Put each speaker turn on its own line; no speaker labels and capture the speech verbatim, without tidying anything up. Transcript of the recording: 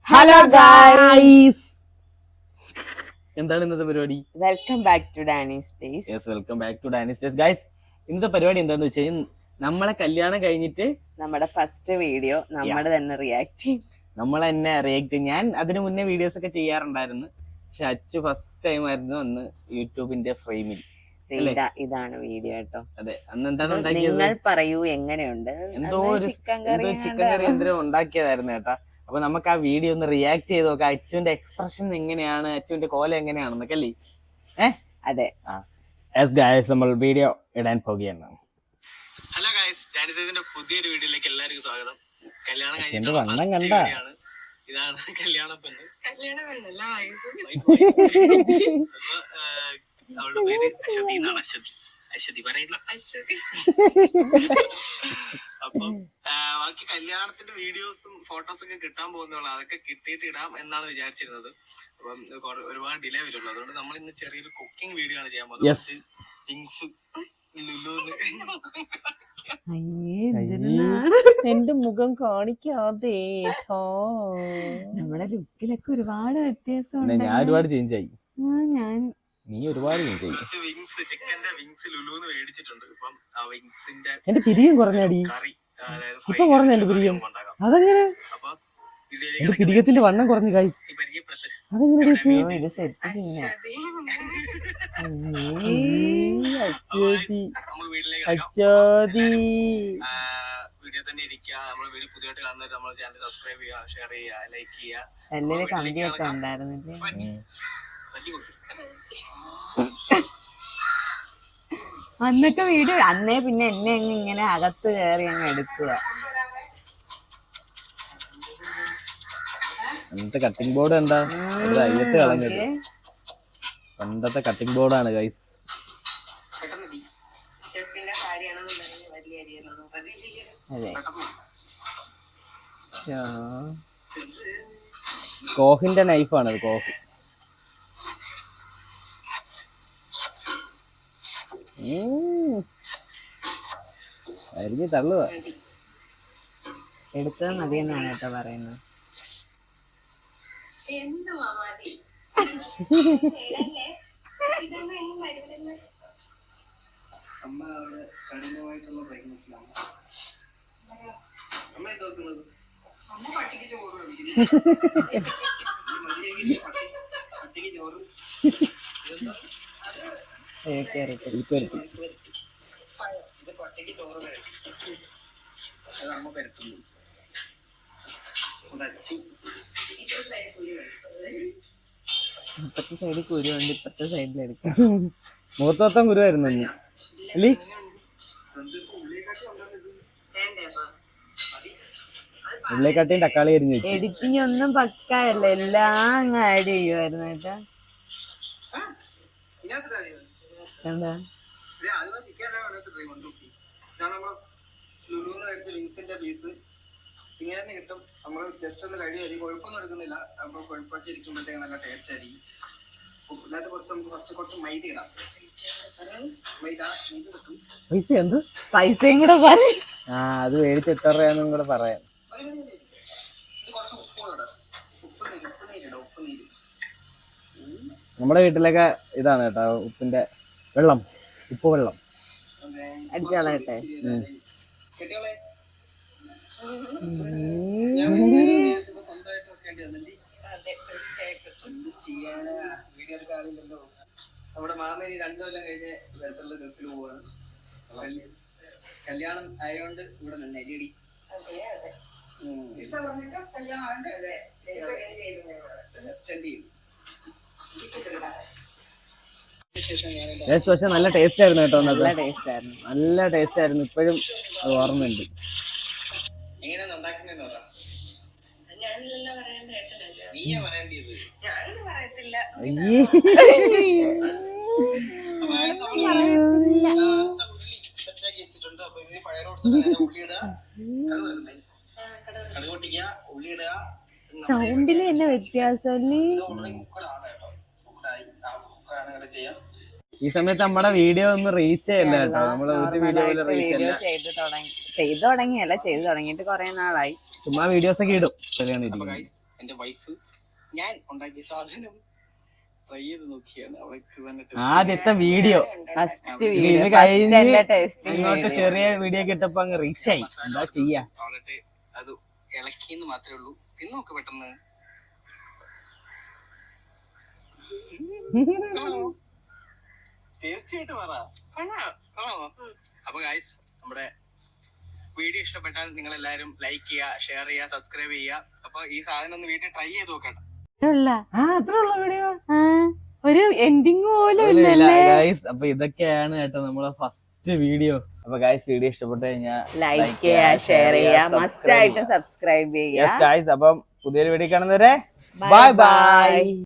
Hello guys, എന്താണ് ഇന്നത്തെ പരിപാടി?
Welcome back to Dani's days.
Yes, welcome back to Dani's days. Guys, ഇന്നത്തെ പരിപാടി എന്താന്ന് വെച്ച് കഴിഞ്ഞാൽ നമ്മളെ കല്യാണം കഴിഞ്ഞിട്ട്
നമ്മുടെ ഫസ്റ്റ് വീഡിയോ നമ്മൾ തന്നെ റിയാക്ട് ചെയ്യും.
നമ്മൾ തന്നെ റിയാക്ട്. ഞാൻ അതിനു മുന്നേ വീഡിയോസ് ഒക്കെ ചെയ്യാറുണ്ടായിരുന്നു, പക്ഷെ അച്ചു ഫസ്റ്റ് ടൈം ആയിരുന്നു അന്ന് യൂട്യൂബിന്റെ ഫ്രെയിമിൽ.
ഇതാണ് വീഡിയോ കേട്ടോ.
അതെ, അന്ന് എന്താണ് ഉണ്ടാക്കിയത്?
നിങ്ങൾ പറയൂ എങ്ങനെയുണ്ട്?
എന്തോ ഒരു ചിക്കൻ കറി എന്തോ ഉണ്ടാക്കിയതായിരുന്നു കേട്ടാ. അപ്പൊ നമുക്ക് ആ വീഡിയോ ഒന്ന് റിയാക്ട് ചെയ്ത് നോക്കാം. അച്ചുവിന്റെ എക്സ്പ്രഷൻ എങ്ങനെയാണ്, അച്ചുവിന്റെ കോലം എങ്ങനെയാണെന്നൊക്കെ അല്ലേ? ഏഹ്
അതെ.
നമ്മൾ വീഡിയോ ഇടാൻ പോകുകയാണ്. ഹലോ ഗൈസ്, ഡാനിസൈസിന്റെ പുതിയൊരു വീഡിയോയിലേക്ക് എല്ലാവർക്കും സ്വാഗതം. കല്യാണം കഴിഞ്ഞിട്ട് വണ്ണം കണ്ട ഇതാണ് കല്യാണ പെണ്ണ്. കല്യാണ പെണ്ണല്ല, അവളുടെ പേര് അശ്വതി എന്നാണ്. അശ്വതി അശ്വതി പറയില്ല അശ്വതി. അപ്പം ബാക്കി കല്യാണത്തിന്റെ വീഡിയോസും ഫോട്ടോസും ഒക്കെ കിട്ടാൻ പോകുന്നുള്ളൂ. അതൊക്കെ കിട്ടിയിട്ട് ഇടാം എന്നാണ് വിചാരിച്ചിരുന്നത്. അപ്പം ഒരുപാട് ഡിലേ വരുള്ളൂ. അതുകൊണ്ട് നമ്മൾ ഇന്ന് ചെറിയൊരു കുക്കിംഗ് വീഡിയോ ആണ് ചെയ്യാൻ പോകുന്നത്. തിങ്സ് എന്റെ മുഖം കാണിക്കാതെ
നമ്മുടെ ലുക്കിലൊക്കെ ഒരുപാട് വ്യത്യാസം.
ഞാൻ ഒരുപാട് ചേഞ്ച് ആയി.
ഞാൻ
നീ ഒരുപാട്
വിങ്സ് ചിക്കന്റെ വിങ്സ് ലുലുന്ന് മേടിച്ചിട്ടുണ്ട്. ഇപ്പം ആ വിങ്സിന്റെ
എന്റെ പിരിയും കുറഞ്ഞാടി.
കറി
ഇപ്പൊ കുറഞ്ഞ എന്റെ പിരിയം. അതെങ്ങനെ? എന്റെ പിരിയത്തിന്റെ വണ്ണം കുറഞ്ഞു ഗൈസ്. അതെങ്ങനെ?
വീഡിയോ തന്നെ ഇരിക്കുക. നമ്മള് വീഡിയോ പുതിയതായിട്ട് കാണുന്നവർ നമ്മുടെ ചാനൽ സബ്സ്ക്രൈബ് ചെയ്യുക, ഷെയർ ചെയ്യുക, ലൈക്ക് ചെയ്യുക.
എല്ലാം കമ്പിയൊക്കെ ഉണ്ടായിരുന്നില്ലേ അന്നൊക്കെ വീഡിയോ? അന്നേ പിന്നെ എന്നെ അങ്ങ് ഇങ്ങനെ അകത്ത് കയറി അങ്ങ് എടുക്കുക.
അന്നത്തെ കട്ടിംഗ് ബോർഡ് എന്താ അയ്യത്ത് കളഞ്ഞത്? പണ്ടത്തെ കട്ടിംഗ് ബോർഡാണ് ഗൈസ്.
അതെ,
കോഹിന്റെ നൈഫാണത്. കോഹ് അരിഞ്ഞ് തള്ളുക.
എടുത്തത് മതി എന്നാണ് കേട്ടോ പറയുന്നത്.
അമ്മ അവിടെ കഠിനമായിട്ടുള്ള പ്രയത്നത്തിലാണ്. അമ്മ എന്തോക്കുന്നത്? അമ്മ പട്ടിക്ക് ചോറ് പട്ടിക്ക് ചോറ് ഇത് പട്ടിക്ക് ചോറ് വരട്ടി അത് അമ്മ പരത്തുന്നു.
ഇപ്പത്തെ സൈഡിൽ കുരുണ്ട്, ഇപ്പത്തെ സൈഡിലെടുക്കാം.
മുഖത്തോട്ടം കുരുവായിരുന്നു അല്ലേ? ഉള്ളിക്കാട്ടിയും തക്കാളി അരിഞ്ഞു വെച്ചു.
എഡിറ്റിംഗ് ഒന്നും പക്കായല്ല, എല്ലാം അങ്ങ് ആഡ് ചെയ്യുമായിരുന്നു കേട്ടാ. എന്താ
വിങ്സിന്റെ പീസ് ഇങ്ങനെ തന്നെ കിട്ടും. നമ്മള് ജസ്റ്റ് ഒന്ന് കഴിയും, കൊഴുപ്പൊന്നും എടുക്കുന്നില്ല. അപ്പൊ കൊഴുപ്പൊക്കെ ഇരിക്കുമ്പോഴത്തേക്ക് നല്ല ടേസ്റ്റ് ആയിരിക്കും. ഇതിനകത്ത് കുറച്ച് നമുക്ക് ഫസ്റ്റ് കുറച്ച് മൈദ ഇടാം. മൈദ
പൈസ എന്ത്
പൈസയും കൂടെ പറയും.
ആ, അത് മേടിച്ച് എത്ര രൂപയാന്നും കൂടെ പറയാം.
കുറച്ച് ഉപ്പ് കൂടെ ഇടാം. ഉപ്പ് നീര് ഉപ്പ് നീരിടാം ഉപ്പ് നീര്
നമ്മുടെ വീട്ടിലൊക്കെ ഇതാണ് കേട്ടോ, ഉപ്പിന്റെ വെള്ളം, ഉപ്പ് വെള്ളം
അടിച്ചോളട്ടെ.
കെട്ടിയോളെ സ്വന്തമായിട്ട് വെക്കേണ്ടി വന്നില്ലേ? എന്ത് ചെയ്യാനാ, വീഡിയോ എടുക്കാൻ ആളില്ലല്ലോ. നമ്മുടെ മാമേനി രണ്ടു കൊല്ലം കഴിഞ്ഞ് തരത്തിലുള്ള ഗൾഫിൽ പോവാണ്. കല്യാണം ആയതുകൊണ്ട് ഇവിടെ നിന്ന് അരിയടി
പക്ഷെ നല്ല ടേസ്റ്റ് ആയിരുന്നു കേട്ടോ.
നല്ല ടേസ്റ്റ് ആയിരുന്നു,
നല്ല ടേസ്റ്റ് ആയിരുന്നു. ഇപ്പോഴും അത് ഓർമ്മയുണ്ട്.
എങ്ങനെയാണ് ഉണ്ടാക്കുന്നതെന്ന് പറയാം. നീയാ പറയേണ്ടത്, ഞാനൊന്നും പറയത്തില്ല. സെറ്റാക്കി വെച്ചിട്ടുണ്ട്. അപ്പൊ ഇതിന് ഫയർ കൊടുത്തിട്ട് ഉള്ളി ഇടുക, കടുക് പൊട്ടിക്കുക, ഉള്ളി ഇടുക.
സൗണ്ടില് തന്നെ വ്യത്യാസം.
ഈ സമയത്ത് നമ്മുടെ വീഡിയോ ഒന്നും റീച്ച് ചെയ്യല്ല കേട്ടോ. നമ്മള് ഒരു വീഡിയോ
വീഡിയോ ചെയ്ത് തുടങ്ങി ചെയ്തു തുടങ്ങിയല്ല ചെയ്തു തുടങ്ങിയിട്ട് കുറെ നാളായി.
ചുമ്മാ വീഡിയോസ് ഒക്കെ ഇടും.
അപ്പൊ ഗൈസ്,
എന്റെ വൈഫ് ഞാൻ ഉണ്ടാക്കിയ സാധനം ട്രൈ ചെയ്ത് നോക്കിയാണ്. അവൾക്ക് തന്നെ
ആദ്യത്തെ വീഡിയോ
ഫസ്റ്റ്
ഇത്
വീഡിയോ
കഴിഞ്ഞ്
എന്റെ ടേസ്റ്റിംഗ്
ഇങ്ങോട്ട് ചെറിയ വീഡിയോ കിട്ടപ്പോ അങ്ങ് റീച്ച് ആയി. എന്താ ചെയ്യാ?
അവളെ അത് ഇളക്കിന്ന് മാത്രമേ ഉള്ളൂ. തിന്നു നോക്ക് പെട്ടെന്ന്. ടേസ്റ്റ് ആയിട്ട് പറ. അപ്പൊ ഗൈസ്, നമ്മുടെ വീഡിയോ ഇഷ്ടപ്പെട്ടാൽ നിങ്ങൾ എല്ലാവരും ലൈക്ക് ചെയ്യുക, ഷെയർ ചെയ്യുക, സബ്സ്ക്രൈബ് ചെയ്യുക. അപ്പൊ ഈ സാധനം ഒന്ന് വീട്ടിൽ ട്രൈ ചെയ്ത് നോക്കട്ടെ.
ആ അത്ര ഉള്ള വീഡിയോ
ഒരു എൻഡിങ് പോലും ഇല്ലല്ലേ.
ഗൈസ്, അപ്പൊ ഇതൊക്കെയാണ് കേട്ടോ നമ്മളെ ഫസ്റ്റ് വീഡിയോ. അപ്പൊ ഗൈസ്, വീഡിയോ ഇഷ്ടപ്പെട്ടു കഴിഞ്ഞാൽ
ലൈക്ക് ചെയ്യുക, ഷെയർ ചെയ്യുക, മസ്റ്റ് ആയിട്ടും സബ്സ്ക്രൈബ് ചെയ്യുക.
ഗൈസ്, അപ്പം പുതിയൊരു വീഡിയോ കാണുന്നവരെ ബൈ ബൈ.